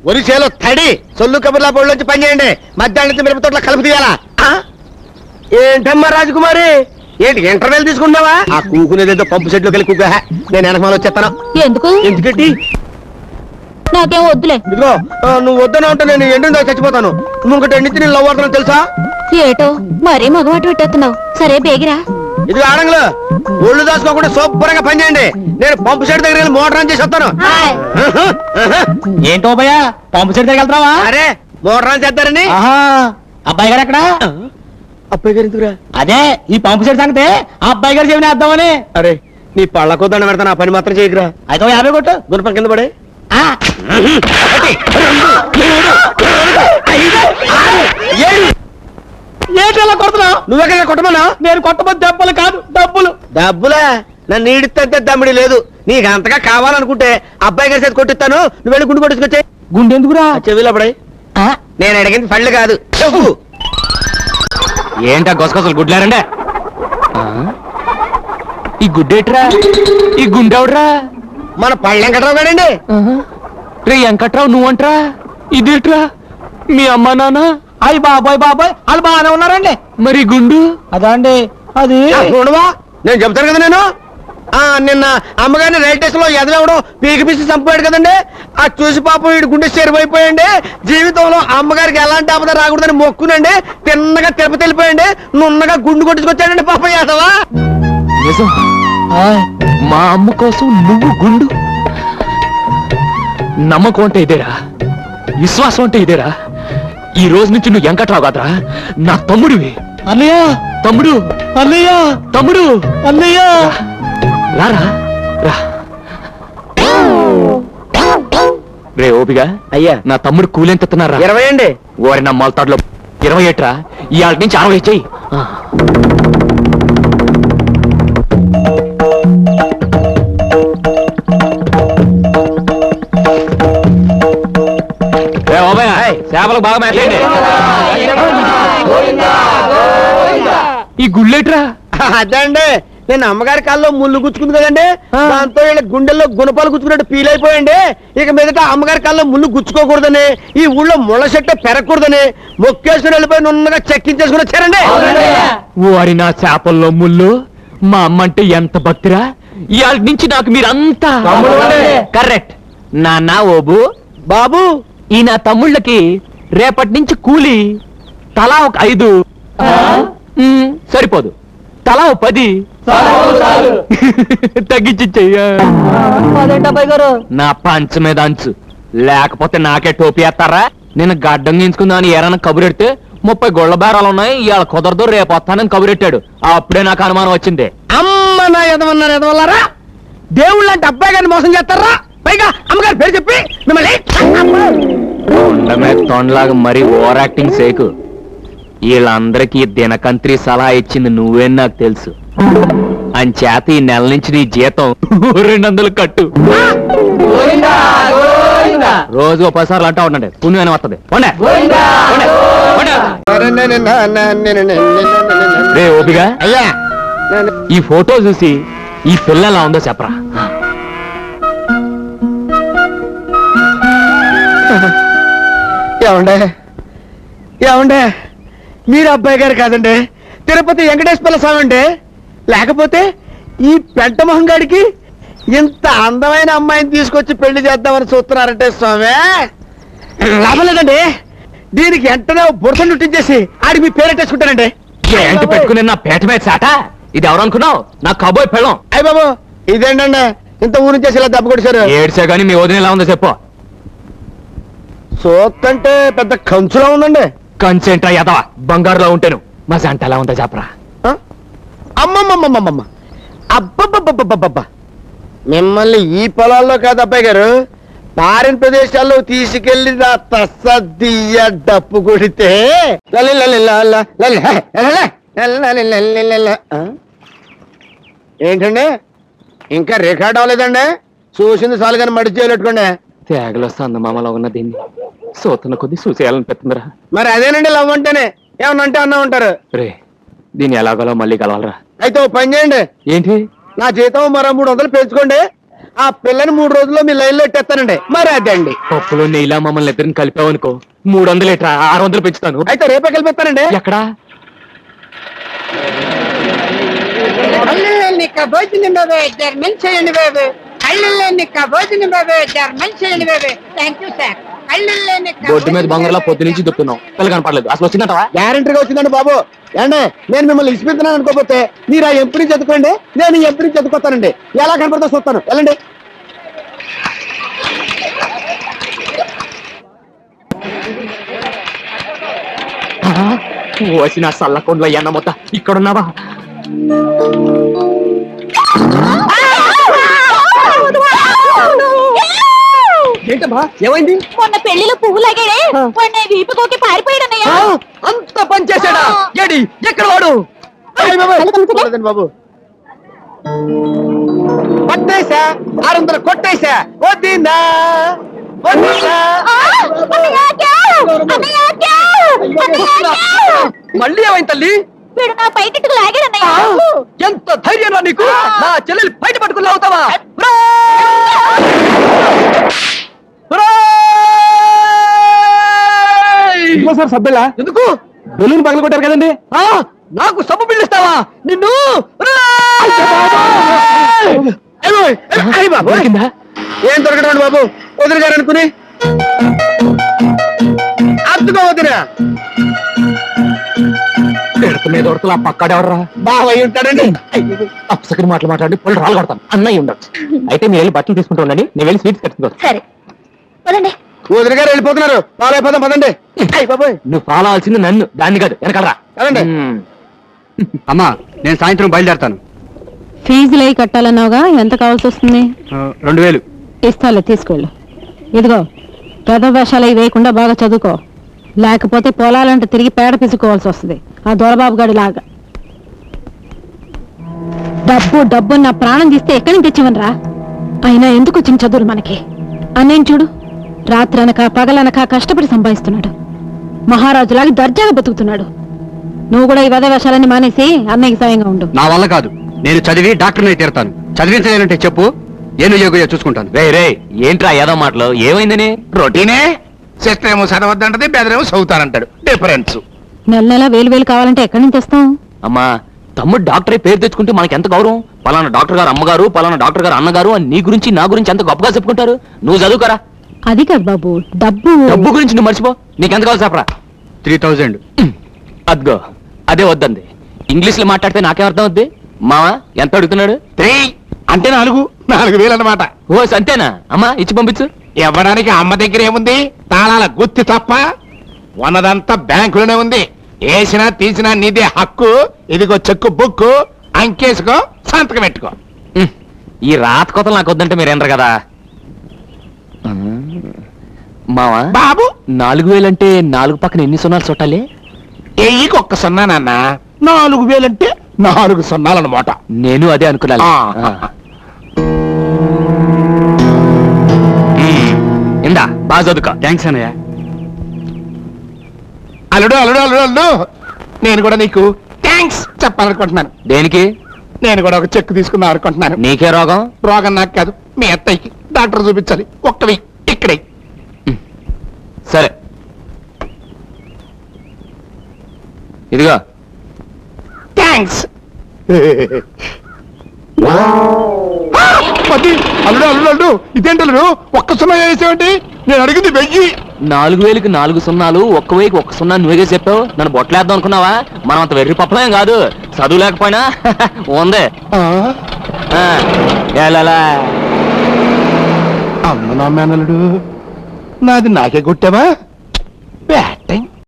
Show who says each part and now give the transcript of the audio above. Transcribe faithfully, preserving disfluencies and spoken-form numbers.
Speaker 1: ఒరిసేలో తడి సొల్లు కబుర్లా బోళ్ళొచ్చి పని చేయండి. మధ్యాహ్నం మిరప తోటలో కలుపు తీయాలా? ఏంటమ్మా రాజకుమారి, ఏంటి ఇంటర్వెల్ తీసుకున్నావా? ఆ కూకునేదేదో పంపు సెట్లోకి వెళ్ళి కూక. నేను వెనకమాల వచ్చేస్తాను.
Speaker 2: ఎందుకు?
Speaker 1: ఎందుకంటే
Speaker 2: నాకేం వద్దులే.
Speaker 1: ఇదిగో నువ్వు వద్దన ఉంటే నేను ఎండిన చచ్చిపోతాను. నువ్వు ఇంకటి ఎండితే నేను లవ్ అవుతాను తెలుసా?
Speaker 2: ఏటో మరీ మగమాట పెట్టేస్తున్నావు. సరే బేగిరా.
Speaker 1: ఇది ఆడంగులు ఒళ్ళు దాచుకోకుండా శుభ్రంగా పని చేయండి. నేను పంపు సెట్ దగ్గర వెళ్ళి మోటార్ ఆన్ చేసి వస్తాను.
Speaker 3: ఏంటో భయ్యా పంపు సెట్ దగ్గర వెళ్తావా?
Speaker 1: అరే మోటార్ ఆన్ చేద్దారని.
Speaker 3: అబ్బాయి గారు ఎక్కడ?
Speaker 1: అబ్బాయి గారు ఎందుకురా?
Speaker 3: అదే ఈ పంపు సెట్ సంగతే ఆ అబ్బాయి గారు చెవిని వేద్దామని.
Speaker 1: అరే నీ పళ్ళకో దండ పెడతాను, ఆ పని మాత్రం చేయకురా.
Speaker 3: అయితే యాభై కొట్టు.
Speaker 1: గుణపం కింద పడే.
Speaker 3: ఏంటలా కొడుతున్నావు?
Speaker 1: నువ్వెక్కడ కొట్టమన్నా?
Speaker 3: నేను కొట్టబోతు దెబ్బలు కాదు డబ్బులు.
Speaker 1: డబ్బులా? నన్ను ఈడితే దమ్మిడి లేదు. నీకు అంతగా కావాలనుకుంటే అబ్బాయి గారి చేతి కొట్టిస్తాను. నువ్వు వెళ్ళి గుండు కొట్టుకొచ్చే.
Speaker 3: గుండె ఎందుకురా?
Speaker 1: చెవిలో పడే. నేను అడిగింది పళ్ళు కాదు చెప్పు.
Speaker 3: ఏంటా గొసగొసలు గుడ్లారండే? ఈ గుడ్డేట్రా? ఈ గుండెవడ్రా?
Speaker 1: మన పళ్ళు వెంకట్రావు గారండి.
Speaker 3: రే వెంకట్రావు నువ్వంట్రా? ఇదేట్రా? మీ అమ్మ నాన్న? అయ్యి బాబాయ్ బాబాయ్ వాళ్ళు బాగానే ఉన్నారండి. మరి గుండు? అదా అండి అది.
Speaker 1: చూడవా నేను చెప్తాను కదా. నేను ఆ నిన్న అమ్మగారిని రైల్ స్టేషన్ లో ఎదవడం పీకి పిసి చంపాడు కదండి. ఆ చూసి పాపం వీడి గుండె చెరిపోయిపోయండి. జీవితంలో అమ్మగారికి ఎలాంటి ఆపద రాకూడదని మొక్కునండి. తిన్నగా తిరుపతి వెళ్ళిపోయండి. నున్నగా గుండు కొట్టుకొచ్చాడండి పాపం యాదవా.
Speaker 3: నిజం? మా అమ్మ కోసం నువ్వు గుండు? నమ్మకం అంటే ఇదేరా, విశ్వాసం అంటే ఇదేరా. ఈ రోజు నుంచి నువ్వు వెంకట్రావు కాదురా, నా తమ్ముడివి. అన్నయ్య తమ్ముడు, అన్నయ్య తమ్ముడు, అన్నయ్య రారా రా. రే ఓపిగా
Speaker 1: అయ్యా
Speaker 3: నా తమ్ముడు కూలెంతున్నారా?
Speaker 1: ఇరవై అండి.
Speaker 3: ఓరి నా మొలతాడులో ఇరవై ఏట్రా. ఇవాళ నుంచి అరవై చెయ్యి. చేపలు బాగా మేతండి. ఈ గుళ్ళేట్రా?
Speaker 1: అదే అండి నేను అమ్మగారి కాల్లో ముళ్ళు గుచ్చుకుంది కదండి. దాంతో వీళ్ళ గుండెల్లో గుణపాలు గుచ్చుకున్నట్టు ఫీల్ అయిపోయండి. ఇక మీదట అమ్మగారి కాల్లో ముళ్ళు గుచ్చుకోకూడదని, ఈ ఊళ్ళో ముళ్ళ చెట్టు పెరగకూడదని మొక్కేసుకుని వెళ్ళిపోయి నున్నగా చెక్కించేసుకుని వచ్చారండి.
Speaker 3: వారి నా చేపల్లో ముళ్ళు. మా అమ్మ అంటే ఎంత భక్తిరా. ఇవాళ నుంచి నాకు మీరంతా కరెక్ట్. నాన్న ఓబు
Speaker 1: బాబు
Speaker 3: ఈ నా తమ్ముళ్ళకి రేపటి నుంచి కూలి తలా ఒక ఐదు. సరిపోదు, తలా ఒక పది తగ్గించి చెయ్యా. నా పంచ మీద అంచు లేకపోతే నాకే టోపీ వేస్తారా? నేను గడ్డం గీంచుకుందామని ఏరైనా కబురెడితే ముప్పై గొళ్ళ బేరాలు ఉన్నాయి, ఇవాళ కుదరదు రేపు వస్తానని కబురెట్టాడు. అప్పుడే నాకు అనుమానం వచ్చింది.
Speaker 1: అమ్మ నా ఎదవన్నారు ఎదవల్లారా. దేవుళ్ళు అంటే అబ్బాయి గారిని మోసం చేస్తారా? పైగా అమ్మగారి పేరు చెప్పి మిమ్మల్ని
Speaker 3: తొండమే తొండలాగా మరీ ఓవర్ యాక్టింగ్ సేకు. వీళ్ళందరికీ దినకంత్రి సలహా ఇచ్చింది నువ్వే నాకు తెలుసు. అంచేత ఈ నెల నుంచి నీ జీతం రెండు వందలు కట్టు. రోజు పది సార్లు అంటా ఉండండి, పుణ్యం వస్తుంది. రే ఓపిగా
Speaker 1: అయ్యా
Speaker 3: ఈ ఫోటో చూసి ఈ పిల్ల ఎలా ఉందో చెప్పరా.
Speaker 1: ఏమండే ఏమండే మీరు అబ్బాయి గారు కాదండి, తిరుపతి వెంకటేశ్వర స్వామి అండి. లేకపోతే ఈ పెంట మొహం గాడికి ఇంత అందమైన అమ్మాయిని తీసుకొచ్చి పెళ్లి చేద్దామని చూస్తున్నారంటే స్వామి లాభం లేదండి. దీనికి వెంటనే బురద నుట్టించేసి ఆడికి మీ పేరెట్టేసుకుంటానండి.
Speaker 3: ఏంటి పెట్టుకుని నా పేట మీద చాట? ఇది ఎవరు అనుకున్నావు? నా కబోయ్ పెళ్ళం.
Speaker 1: అయ్య బాబు ఇదేంటండి ఇంత ఊరి నుంచి ఇలా దెబ్బ కొట్టేశారు.
Speaker 3: ఏడ్చా గానీ మీ వదిన ఎలా ఉందో చెప్పు.
Speaker 1: సోత్తంటే పెద్ద కంచులా ఉందండి.
Speaker 3: కంచేంట్రా యదవా, బంగారులో ఉంటాను. మా జంట ఎలా ఉందో చెప్పరా.
Speaker 1: అమ్మమ్మమ్మమ్మమ్మ అబ్బబ్బబ్బబ్బబ్బబ్బా, మిమ్మల్ని ఈ పొలాల్లో కాదు అబ్బాయి గారు, పారిన ప్రదేశాల్లో తీసుకెళ్లి నా తస్సదియ్య డప్పు కొడితే ఏంటండి ఇంకా రికార్డ్ అవ్వలేదండి? చూసింది చాలు కానీ మడి చేయలేట్టుకోండి.
Speaker 3: తేగలో సందమామలో ఉన్న దీన్ని సోతన కొద్ది చూసేయాలనిపిస్తుందిరా.
Speaker 1: మరి అదేనండి లవ్ అంటేనే. ఏమన్నా అంటే అన్నా ఉంటారు.
Speaker 3: రే దీన్ని ఎలాగోలో మళ్ళీ కలవాలరా.
Speaker 1: అయితే ఓ పని చేయండి,
Speaker 3: ఏంటి?
Speaker 1: నా జీతం మరో మూడు వందలు పెంచుకోండి. ఆ పిల్లని మూడు రోజుల్లో మీ లైన్ లో ఎట్టేస్తానండి మరి అదండి.
Speaker 3: పప్పులో నెయ్యిలా మమ్మల్ని ఇద్దరిని కలిపావనుకో మూడు వందలు ఎట్రా ఆరు వందలు పెంచుతాను.
Speaker 1: అయితే రేపే కలిపిస్తానండి.
Speaker 3: ఎక్కడా
Speaker 4: కళ్ళని భోజనం బాబు జర్మన్ చేయండి బాబు. కళ్ళని భోజనం బాబు జర్మన్ చేయండి బాబు. Thank you sir.
Speaker 3: బొడ్డు మీద బంగారులా పొద్దు నుంచి దుక్కున్నాం పిల్ల కనపడలేదు అసలు వచ్చిందంటవా?
Speaker 1: గ్యారంటీగా వచ్చిందండి బాబు. ఏండే నేను మిమ్మల్ని ఇచ్చిపోతున్నాను అనుకోకపోతే మీరు ఆ ఎంపీని చదువుకోండి, నేను ఈ ఎంపీని చదువుకోతానండి. ఎలా కనపడతా చూస్తాను. వెళ్ళండి.
Speaker 3: వచ్చిన సల్లకొండలో ఎన్న మొత్త ఇక్కడున్నావా?
Speaker 1: ఏంటమ్మా ఏమైంది?
Speaker 2: మొన్న పెళ్లిలో పువ్వు లాగాడే మొన్న వీపుకోకి పారిపోయాడన్నయ్య.
Speaker 1: అంత పని చేశాడా? ఏడి ఎక్కడ వాడు? లేదండి బాబు, కొట్టేశా ఆరు వందలు కొట్టేశా. వద్దిందా వద్దిందా? మళ్ళీ ఏమైంది తల్లి?
Speaker 2: వీడు నా బయటకు లాగాడన్నయ్య.
Speaker 1: ఎంత ధైర్యం నీకు? నా చెల్లెలు బయట పట్టుకుని అవుతావా? సార్ సబ్బెలా ఎందుకు? బెలూన్ పగల కొట్టారు కదండి. నాకు సబ్బు పిల్లిస్తావా నిన్ను? ఏం దొరకడం బాబు, వదిలి గారు అనుకుని అర్థమా వదినా?
Speaker 3: పెడత మీద ఉడతలు ఆ పక్కడెవడరా?
Speaker 1: బావయ్య ఉంటాడండి.
Speaker 3: అప్సకరి మాటలు మాట్లాడి పళ్ళు రాళ్ళు కొడతాను. అన్నయ్య ఉండొచ్చు. అయితే మీరు వెళ్ళి బట్టలు తీసుకుంటూ ఉండండి, నేను వెళ్ళి స్వీట్స్ కట్టుకుంటాను.
Speaker 2: సరే పదండి.
Speaker 1: వదిలి గారు వెళ్ళిపోతున్నారు. ఫాలో అయిపోదాం పదండి. అయ్యి బాబోయ్,
Speaker 3: నువ్వు ఫాలో అవ్వాల్సింది నన్ను, దాన్ని కాదు వెనకాలరా.
Speaker 1: కదండి.
Speaker 5: అమ్మా నేను సాయంత్రం బయలుదేరతాను.
Speaker 6: ఫీజులు అయి కట్టాలన్నావుగా, ఎంత కావాల్సి వస్తుంది?
Speaker 5: రెండు వేలు
Speaker 6: ఇస్తాలే, తీసుకెళ్ళు. ఇదిగో పెద్ద వేషాలు అవి వేయకుండా బాగా చదువుకో, లేకపోతే పొలాలంటే తిరిగి పేడ పిసుకోవాల్సి వస్తుంది ఆ దొరబాబు గడి లాగా. డబ్బు డబ్బు నా ప్రాణం తీస్తే ఎక్కడి నుంచి తెచ్చివనరా? అయినా ఎందుకు వచ్చిన చదువులు మనకి? అన్నయ్య చూడు, రాత్రనక పగలనక కష్టపడి సంపాదిస్తున్నాడు, మహారాజులాగా దర్జాగా బతుకుతున్నాడు. నువ్వు కూడా ఈ వద వేషాలన్నీ మానేసి అన్నయ్యకి సాయంగా ఉండు.
Speaker 5: నా వల్ల కాదు, నేను చదివి డాక్టర్ని తీరుతాను. చదివించలేనంటే చెప్పు, ఏను యోగ చూసుకుంటాను.
Speaker 3: రే రే ఏంట్రా ఏదో మాటలు? ఏమైందని?
Speaker 7: రొటీనే. సిస్టర్ ఏమో చదవద్దంటది, బెదరేమో చదువుతానంటాడు. డిఫరెన్స్.
Speaker 6: నెల నెల వేలు వేలు కావాలంటే ఎక్కడి నుంచి తెస్తాం?
Speaker 3: అమ్మా తమ్ముడు డాక్టర్ పేరు తెచ్చుకుంటే మనకి ఎంత గౌరవం. పలానా డాక్టర్ గారు అమ్మగారు, పలానా డాక్టర్ గారు అన్నగారు అని నీ గురించి నా గురించి ఎంత గొప్పగా చెప్పుకుంటారు. నువ్వు చదువుకరా.
Speaker 6: అది కాదు బాబు, డబ్బు
Speaker 3: డబ్బు గురించి నువ్వు మర్చిపో. నీకెంత కావాలి చెప్పరా?
Speaker 5: త్రీ థౌజండ్
Speaker 3: అద్గో అదే వద్దంది. ఇంగ్లీష్ లో మాట్లాడితే నాకేం అర్థం అవుద్ది? మావా ఎంత అడుగుతున్నాడు?
Speaker 7: త్రీ అంటే నాలుగు నాలుగు వేలు అన్నమాట.
Speaker 3: ఓ అంతేనా? అమ్మా ఇచ్చి పంపించు.
Speaker 7: ఇవ్వడానికి అమ్మ దగ్గర ఏముంది? తాళాల గుత్తి తప్ప. ఉన్నదంతా బ్యాంకులోనే ఉంది. వేసినా తీసినా నీదే హక్కు. ఇదిగో చెక్కు బుక్కు, అంకేసుకో, సంతకం పెట్టుకో.
Speaker 3: ఉమ్, ఈ రాత కొతలు నాకు వద్దంటే మీరేంటారు కదా. మావా
Speaker 7: బాబు
Speaker 3: నాలుగు వేలంటే నాలుగు పక్కన ఎన్ని సున్నాలు చుట్టాలి?
Speaker 7: ఎయ్యికి ఒక్క సున్నా నాన్న. నాలుగు వేలంటే నాలుగు సున్నాలన్నమాట.
Speaker 3: నేను అదే అనుకున్నాను.
Speaker 7: ఆ.
Speaker 3: ఆ. ఉమ్, ఇందా బాగా చదువుకో.
Speaker 5: థ్యాంక్స్ అన్నయ్య.
Speaker 7: అల్లుడు అల్లుడు అల్లుడు అల్లుడు నేను కూడా నీకు థ్యాంక్స్ చెప్పాలనుకుంటున్నాను.
Speaker 3: దేనికి?
Speaker 7: నేను కూడా ఒక చెక్ తీసుకుందాం అనుకుంటున్నాను.
Speaker 3: నీకే రోగం?
Speaker 7: రోగం నాకు కాదు, మీ అత్తయ్యకి. డాక్టర్ చూపించాలి. ఒక్కవి ఇక్కడే.
Speaker 3: సరే ఇదిగో.
Speaker 7: థ్యాంక్స్. అల్లుడు అల్లుడు అల్లుడు ఇదేంటి అల్లుడు ఒక్క సున్నా వేసేవంటి? నేను అడిగింది వెయ్యి.
Speaker 3: నాలుగు వేలకి నాలుగు సున్నాలు, ఒక్క వేకి ఒక్క సున్నా నువ్వే చెప్పావు. నన్ను బొట్టలేద్దాం అనుకున్నావా? మనం అంత వెర్రి పప్పలేం కాదు. చదువు లేకపోయినా ఉంది. ఆ, ఏలలా.
Speaker 7: అమ్మ నా మేనల్లుడు, నాది నాకే కొట్టావా?